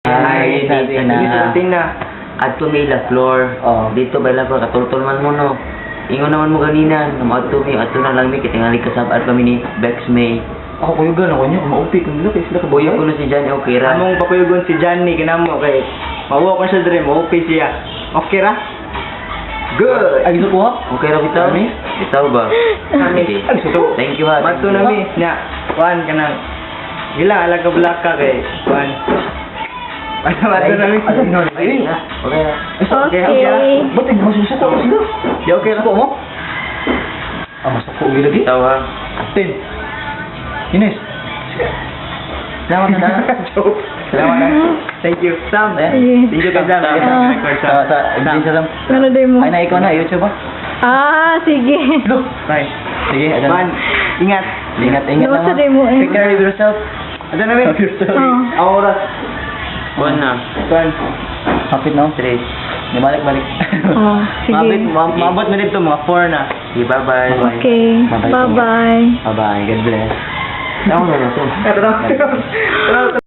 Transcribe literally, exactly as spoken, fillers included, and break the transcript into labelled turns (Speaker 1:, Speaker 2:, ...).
Speaker 1: Ay, dito na.
Speaker 2: na.
Speaker 1: At tumila floor.
Speaker 2: Oo.
Speaker 1: Dito ba lang ko katultol man mo no. Ingon naman mo ganina, naman to mi ato na lang mi kitingali kasab at kami ni Bex May.
Speaker 2: Ako kuyugan ako niya, maupi kung nila kay sila
Speaker 1: Boyo
Speaker 2: kabuya
Speaker 1: ko na si Johnny Okira.
Speaker 2: Among pakuyugon si Johnny kinamo kay mawa ko siya dire, maupi siya. Okay ra? Good. Ay gusto ko ha?
Speaker 1: Okira bitaw?
Speaker 2: Kami?
Speaker 1: Bitaw ba? Sige.
Speaker 2: Ay, gusto.
Speaker 1: Thank you ha.
Speaker 2: Mato na mi nya. Kuan kanang gila ala ka black ka kay kuan. Ay, mato na mi.
Speaker 1: Ay, na. Okay na.
Speaker 2: Okay, okay.
Speaker 3: Okay.
Speaker 2: Ba't ay masusuko mo sila? Di okay ra ko mo? Ah, masuko gila di.
Speaker 1: Bitaw ha.
Speaker 2: Tin. Ines. Salamat na. Joke. Salamat na. Thank you. Sam.
Speaker 1: Eh?
Speaker 2: Thank you kay Sam.
Speaker 1: Sam.
Speaker 2: Yes,
Speaker 3: Ah.
Speaker 2: record
Speaker 1: Sa
Speaker 2: Sam.
Speaker 1: sa hindi sa lang.
Speaker 3: Ano day mo?
Speaker 1: Ay na ikaw na YouTube ba?
Speaker 3: Ah, sige.
Speaker 2: Look. Bye.
Speaker 1: Sige, adan.
Speaker 2: Man, ingat.
Speaker 1: Ingat, ingat
Speaker 3: Ano
Speaker 1: lang.
Speaker 3: sa
Speaker 1: ha.
Speaker 3: day mo eh?
Speaker 1: Take care of yourself.
Speaker 2: Ada na mi.
Speaker 3: Oh.
Speaker 2: Ang oras.
Speaker 1: Buwan na.
Speaker 2: Kuan.
Speaker 1: Hapit no? Three. Di balik-balik.
Speaker 3: Oh, sige.
Speaker 2: Mabit, ma- maabot na dito mga four na.
Speaker 1: Sige, bye-bye.
Speaker 3: Okay.
Speaker 1: Bye-bye.
Speaker 3: Bye-bye.
Speaker 1: Bye-bye. God bless. Ako na na to.
Speaker 2: Tara. Tara.